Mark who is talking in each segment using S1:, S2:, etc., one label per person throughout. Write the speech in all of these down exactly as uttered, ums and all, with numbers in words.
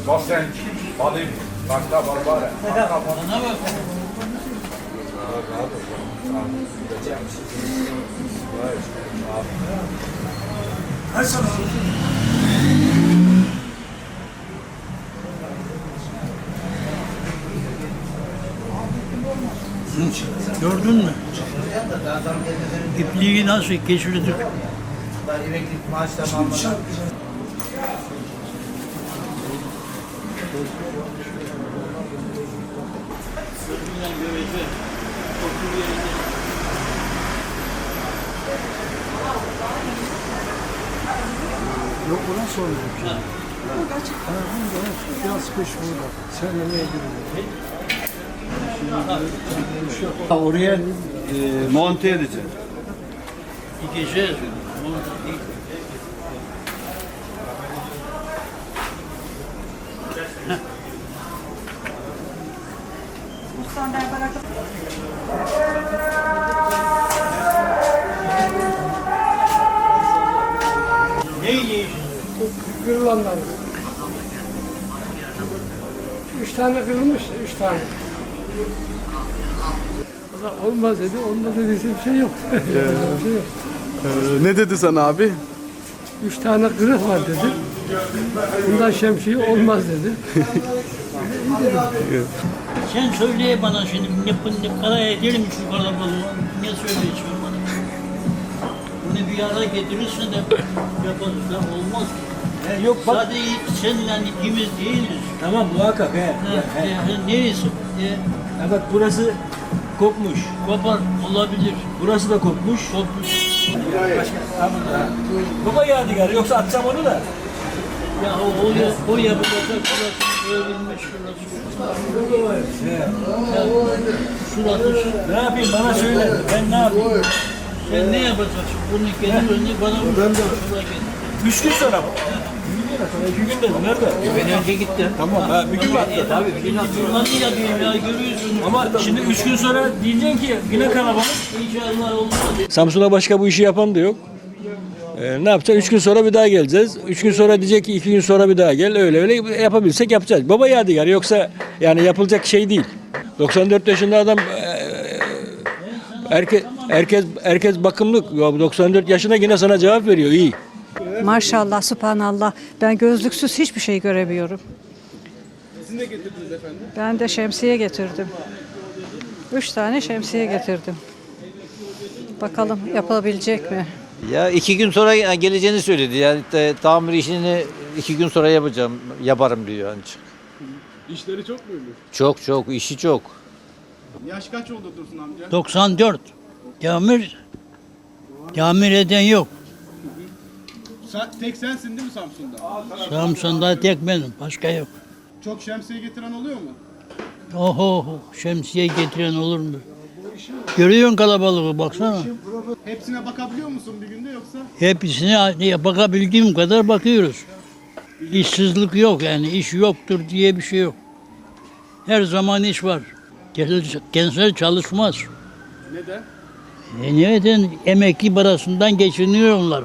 S1: Bak sen alayım. Başka var var. Başka var.
S2: Bana bak.
S3: Hay sana.
S2: Gördün mü? İpliği nasıl geçirdik?
S4: Emeklilik maaş tamamlanan.
S3: Yok buna sormadım ki. Ha, burada, biraz kış burada. Sen nereye gidiyorsun?
S5: Oraya e, monte edeceğim.
S2: Dikeceğiz. Ne yiyeceğiz?
S6: Kırılanlar. Üç tane kırılmış, üç tane. O da olmaz dedi, onda dediyse bir şey yok. Bir şey yok.
S7: Ee, ne dedi sana abi?
S6: Üç tane kırık var dedi. Bundan şemsiye olmaz dedi.
S2: Sen söyle bana şimdi ne, ne kadar edelim şu kalabalığı. Ne söyleyeceğim bana? Bunu bir ara getirirse de yaparız da olmaz ki.
S5: E, yok bak.
S2: Sadece seninle ikimiz değiliz.
S5: Tamam muhakkak he.
S2: Ha,
S5: he.
S2: e, neyse. E,
S5: Ha, bak burası kopmuş.
S2: kopar olabilir.
S5: Burası da kopmuş.
S2: Kopmuş.
S5: Baba yadigarı yoksa atacağım onu da.
S2: Ya o, o, ya- o yapılacak şurası örülmüş şurası.
S5: He.
S2: Ya, şurası şu.
S5: Ne yapayım bana söyle. Ben ne yapayım?
S2: Sen ne yapacaksın? Bunu getir önüne bana vur. Şuraya getir.
S5: Üç gün sonra mı? İki gün dedim. Nerede?
S2: Ben önce gittim.
S5: Tamam. Ha, bir gün var.
S2: Tabii bir gün nasıl yapayım ya görüyorsun.
S5: Ama şimdi üç gün sonra diyeceksin ki yine kalabalık.
S2: İnşallah olmaz.
S8: Samsun'a başka bu işi yapan da yok. Ee, ne yapacağız? Üç gün sonra bir daha geleceğiz. Üç gün sonra diyecek ki iki gün sonra bir daha gel. Öyle öyle yapabilsek yapacağız. Baba yadigar yoksa yani yapılacak şey değil. doksan dört yaşında adam eee, herkes herkes herkes bakımlı. Ya doksan dört yaşında yine sana cevap veriyor. İyi.
S9: Maşallah, subhanallah. Ben gözlüksüz hiçbir şey göremiyorum.
S7: Siz ne getirdiniz efendim?
S9: Ben de şemsiye getirdim. Üç tane şemsiye getirdim. Bakalım yapabilecek mi?
S4: Ya iki gün sonra geleceğini söyledi. Yani te- tamir işini iki gün sonra yapacağım, yaparım diyor ancak.
S7: İşleri çok muydu?
S4: Çok çok, işi çok.
S7: Yaş kaç oldu Dursun amca?
S2: doksan dört. Camir, camir eden yok.
S7: Sen, tek sensin değil mi Samsun'da?
S2: Samsun'da tek benim, başka yok.
S7: Çok şemsiye getiren oluyor mu?
S2: Oho, şemsiye getiren olur mu? Görüyorsun kalabalığı, baksana.
S7: Hepsine bakabiliyor musun bir günde yoksa?
S2: Hepsine bakabildiğim kadar bakıyoruz. İşsizlik yok yani, iş yoktur diye bir şey yok. Her zaman iş var. Gençler çalışmaz.
S7: Neden?
S2: E neden? Emekli parasından geçiniyorlar.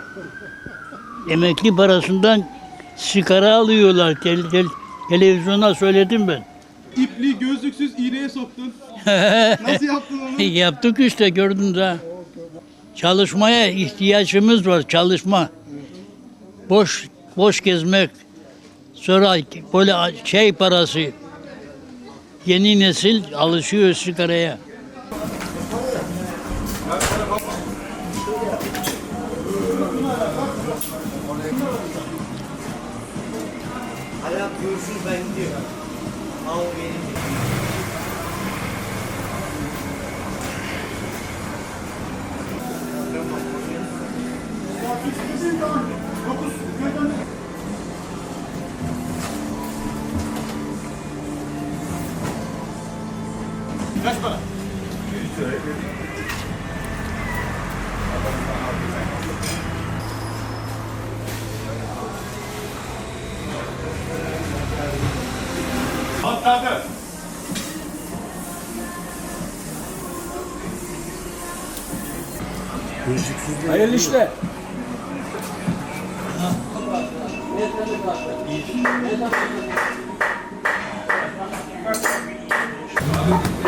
S2: Emekli parasından sigara alıyorlar. Tel, tel, televizyona söyledim ben.
S7: İpliği gözlüksüz iğneye soktun. Nasıl yaptın onu?
S2: Yaptık işte gördün de. Çalışmaya ihtiyacımız var, çalışma. Boş boş gezmek. Sonra böyle şey parası. Yeni nesil alışıyor sigaraya.
S4: Hayat görsün ben gidiyorum. Al benim.
S7: Kaç para? Atladı.
S5: Hayırlı işler.
S1: Bir.